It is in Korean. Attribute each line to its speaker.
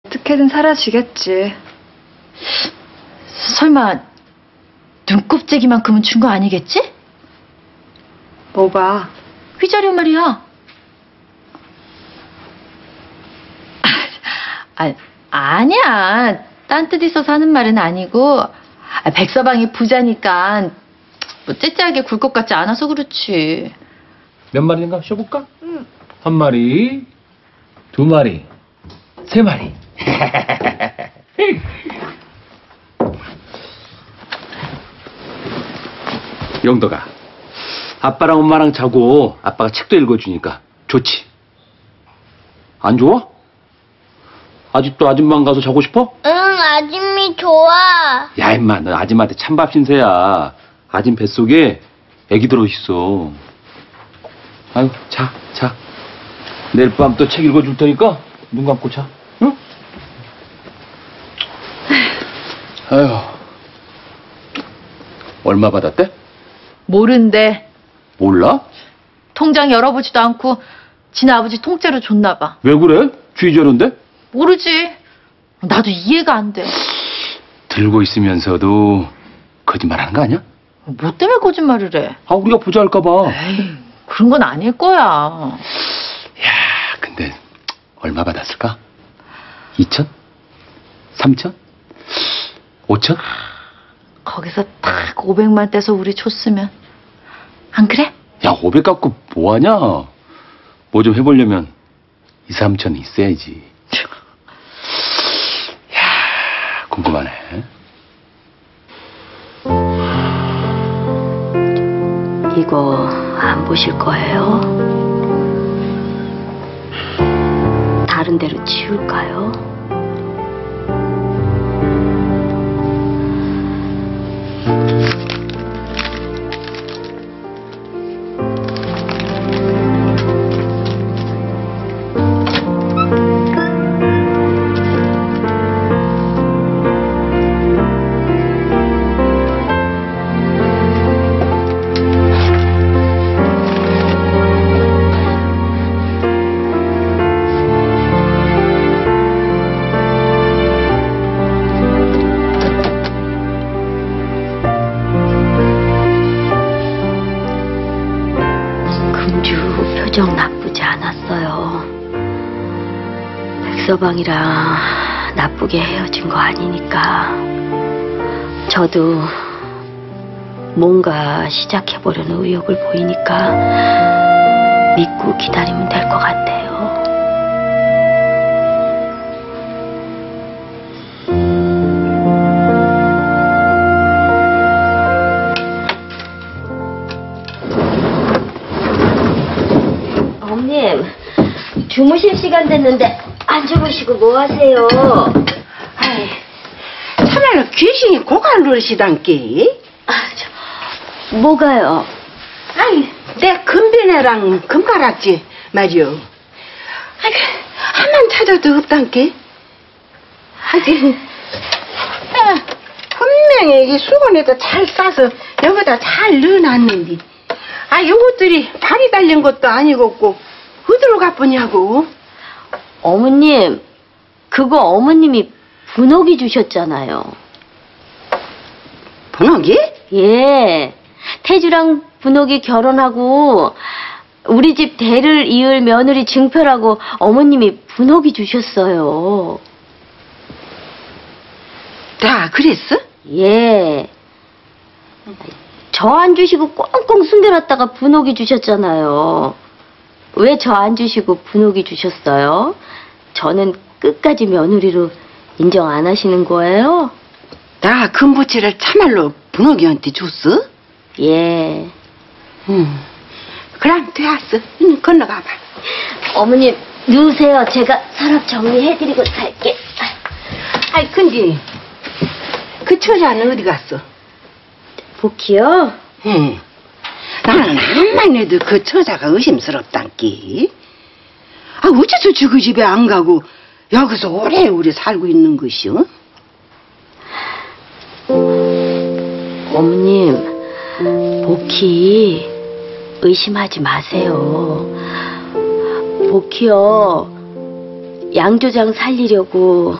Speaker 1: 어떻게든 사라지겠지.
Speaker 2: 설마 눈곱재기만큼은 준 거 아니겠지?
Speaker 1: 뭐가?
Speaker 2: 휘자료 말이야. 아니야. 딴 뜻 있어서 하는 말은 아니고 백서방이 부자니까 뭐 째째하게 굴 것 같지 않아서 그렇지.
Speaker 3: 몇 마리인가 쉬어볼까? 응. 한 마리, 두 마리, 세 마리. 영덕아, 아빠랑 엄마랑 자고 아빠가 책도 읽어주니까 좋지? 안 좋아? 아직도 아줌마랑 가서 자고 싶어?
Speaker 4: 응, 아줌미 좋아.
Speaker 3: 야, 임마, 너 아줌마한테 찬밥 신세야. 아줌 뱃속에 애기 들어있어. 아유, 자. 내일 밤 또 책 읽어줄 테니까 눈 감고 자, 응? 아유, 얼마 받았대?
Speaker 2: 모른대.
Speaker 3: 몰라?
Speaker 2: 통장 열어보지도 않고 지네 아버지 통째로 줬나 봐.
Speaker 3: 왜 그래? 주의자료인데?
Speaker 2: 모르지. 나도 이해가 안 돼.
Speaker 3: 들고 있으면서도 거짓말하는 거 아니야?
Speaker 2: 뭐 때문에 거짓말을 해?
Speaker 3: 아, 우리가 부자 할까 봐.
Speaker 2: 에이, 그런 건 아닐 거야.
Speaker 3: 야, 근데 얼마 받았을까? 2천? 3천? 5천?
Speaker 2: 거기서 딱 500만 떼서 우리 줬으면 안 그래?
Speaker 3: 야, 500 갖고 뭐하냐? 뭐 좀 해보려면 2, 3천 있어야지. 야, 궁금하네.
Speaker 5: 이거 안 보실 거예요? 다른 데로 치울까요? 금주 표정 나쁘지 않았어요. 백서방이랑 나쁘게 헤어진 거 아니니까 저도 뭔가 시작해보려는 의욕을 보이니까 믿고 기다리면 될 것 같아요. 어머님, 주무실 시간 됐는데 안 주무시고 뭐 하세요?
Speaker 6: 아이, 참말로 귀신이 고갈 노릇이단께.
Speaker 5: 뭐가요?
Speaker 6: 아이, 내 금비네랑 금가락지 말이요. 아이, 한만 찾아도 없단께. 아이, 분명히 이 수건에도 잘 싸서 여기다 잘 넣어놨는데, 아, 요것들이 발이 달린 것도 아니겠고 어디로 가쁘냐고.
Speaker 5: 어머님, 그거 어머님이 분홍이 주셨잖아요.
Speaker 6: 분홍이?
Speaker 5: 예, 태주랑 분홍이 결혼하고 우리 집 대를 이을 며느리 증표라고 어머님이 분홍이 주셨어요.
Speaker 6: 다 그랬어?
Speaker 5: 예. 저 안 주시고 꽁꽁 숨겨놨다가 분홍이 주셨잖아요. 왜 저 안 주시고 분홍이 주셨어요? 저는 끝까지 며느리로 인정 안 하시는 거예요?
Speaker 6: 나 금부치를 참말로 분홍이한테 줬어?
Speaker 5: 예.
Speaker 6: 그럼 되었어. 건너가봐.
Speaker 5: 어머님, 누우세요. 제가 서랍 정리해드리고 갈게.
Speaker 6: 아이, 근데 그 처자는 어디 갔어?
Speaker 5: 복희요?
Speaker 6: 응. 나는 암만 해도 그 처자가 의심스럽단께. 아, 어째서 그 집에 안 가고 여기서 오래오래 살고 있는 것이오?
Speaker 5: 어머님, 복희 의심하지 마세요. 복희요, 양조장 살리려고